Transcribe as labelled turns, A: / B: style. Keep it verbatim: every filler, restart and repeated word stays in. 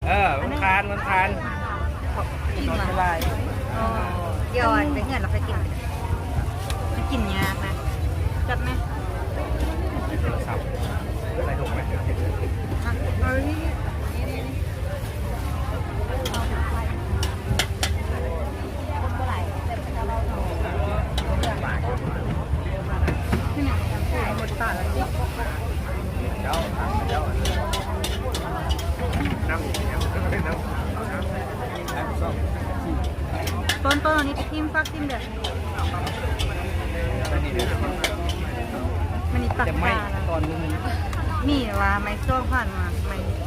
A: เออมันคานมันคาน
B: กิน
A: นอน
B: มา
A: ไม่ได้
B: เดี๋ยวไปเงินเราไปกินไปกินยากนะจับไหม
A: โทรศัพท์ใส่ถุงไหม
B: เอานี่หมดตาแล้ว
A: เจ้าเจ้าน้ำน้ำน้ำน้ำส้ม
B: ต้นต้นอันนี้ทิมฟักทิมเด้อ
A: อันนี้เดี๋ยว
B: มันนี่ตัก
A: จะไหม่
B: ตาแล้ว
A: ตอนนึง
B: มีว่าไม่โซ่ผ่านมาไม่